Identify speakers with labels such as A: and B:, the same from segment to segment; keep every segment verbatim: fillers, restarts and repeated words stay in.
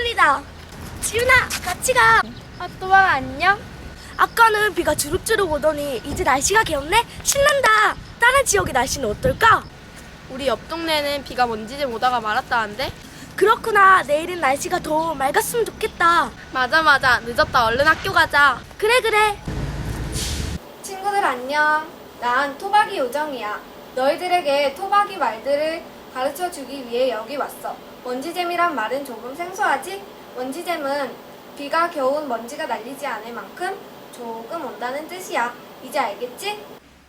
A: 지훈이다. 지훈아, 같이 가.
B: 아, 또봐 안녕?
A: 아까는 비가 주룩주룩 오더니 이제 날씨가 개었네? 신난다. 다른 지역의 날씨는 어떨까?
B: 우리 옆 동네는 비가 먼지 좀 오다가 말았다는데?
A: 그렇구나. 내일은 날씨가 더 맑았으면 좋겠다.
B: 맞아 맞아, 늦었다. 얼른 학교 가자.
A: 그래 그래.
C: 친구들 안녕. 난 토박이 요정이야. 너희들에게 토박이 말들을 가르쳐 주기 위해 여기 왔어. 먼지잼이란 말은 조금 생소하지? 먼지잼은 비가 겨우 먼지가 날리지 않을 만큼 조금 온다는 뜻이야. 이제 알겠지?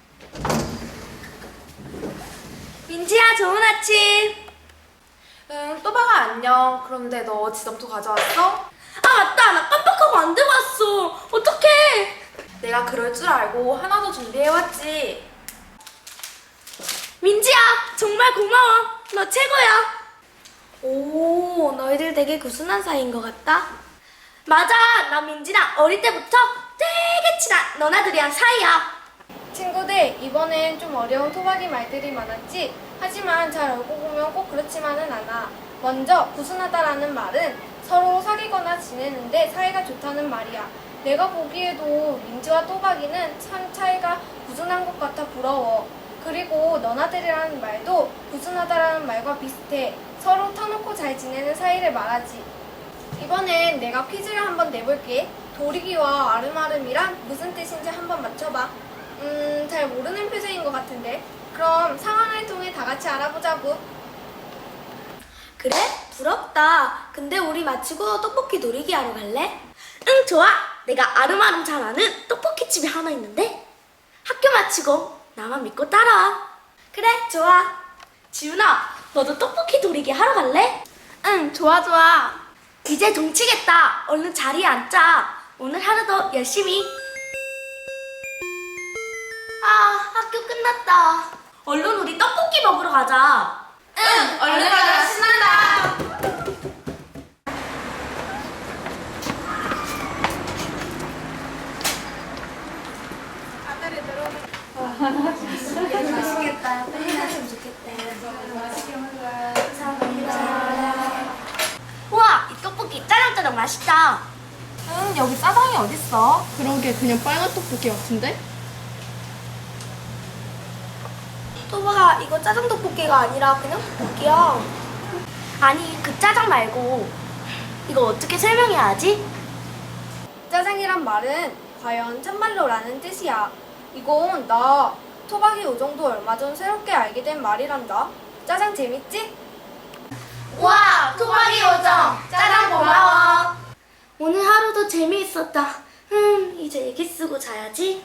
A: 민지야, 좋은 아침.
D: 응, 또박아 안녕. 그런데 너 지점토 가져왔어?
A: 아 맞다, 나 깜빡하고 안 들고 왔어. 어떡해.
D: 내가 그럴 줄 알고 하나 더 준비해왔지.
A: 민지야, 정말 고마워. 너 최고야. 오, 너희들 되게 구순한 사이인 것 같다. 맞아, 나 민지랑 어릴 때부터 되게 친한 너나들이랑 사이야.
C: 친구들, 이번엔 좀 어려운 토박이 말들이 많았지? 하지만 잘 알고 보면 꼭 그렇지만은 않아. 먼저 구순하다라는 말은 서로 사귀거나 지내는데 사이가 좋다는 말이야. 내가 보기에도 민지와 또박이는 참 차이가 구순한 것 같아 부러워. 그리고 너나들이라는 말도 구순하다라는 말과 비슷해. 서로 터놓고 잘 지내는 사이를 말하지. 이번엔 내가 퀴즈를 한번 내볼게. 도리기와 아름아름이란 무슨 뜻인지 한번 맞춰봐. 음, 잘 모르는 표정인 것 같은데. 그럼 상황을 통해 다 같이 알아보자고.
A: 그래? 부럽다. 근데 우리 마치고 떡볶이 놀이기 하러 갈래? 응, 좋아. 내가 아름아름 잘 아는 떡볶이 집이 하나 있는데 학교 마치고 나만 믿고 따라와. 그래, 좋아. 지훈아, 너도 떡볶이 놀이기 하러 갈래?
B: 응, 좋아 좋아.
A: 이제 동치겠다. 얼른 자리에 앉자. 오늘 하루도 열심히. 아, 학교 끝났다. 얼른 우리 떡볶이 먹으러 가자.
D: 응, 얼른 가자. 신난다.
A: 맛있겠다. 빨리 나왔으면 좋겠다. 감사합니다. 우와, 이 떡볶이 짜장짜장 맛있다.
D: 응, 여기 짜장이 어딨어?
B: 그러게, 그냥 빨간 떡볶이 같은데?
A: 또봐, 이거 짜장 떡볶이가 아니라 그냥 떡볶이야. 아니, 그 짜장 말고 이거 어떻게 설명해야 하지?
C: 짜장이란 말은 과연 참말로라는 뜻이야. 이건 나 토박이 요정도 얼마 전 새롭게 알게 된 말이란다. 짜장 재밌지?
A: 와, 토박이 요정 짜장 고마워. 오늘 하루도 재미있었다. 음, 이제 얘기 쓰고 자야지.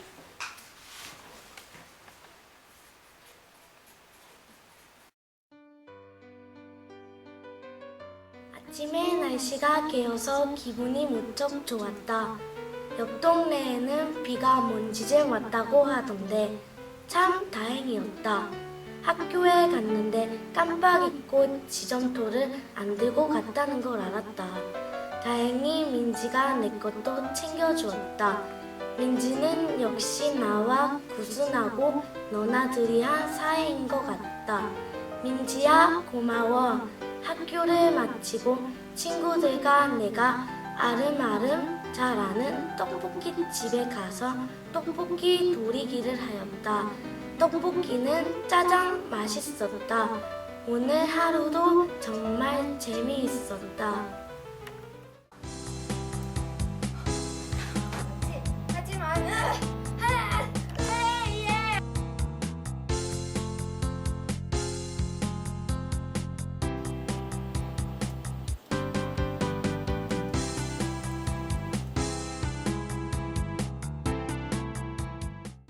A: 아침에 날씨가 개어서 기분이 무척 좋았다. 옆 동네에는 비가 먼지제 왔다고 하던데 참 다행이었다. 학교에 갔는데 깜빡 잊고 지점토를 안 들고 갔다는 걸 알았다. 다행히 민지가 내 것도 챙겨주었다. 민지는 역시 나와 구순하고 너나들이한 사이인 것 같다. 민지야, 고마워. 학교를 마치고 친구들과 내가 아름아름 잘 아는 떡볶이 집에 가서 떡볶이 돌이기를 하였다. 떡볶이는 짜장 맛있었다. 오늘 하루도 정말 재미있었다.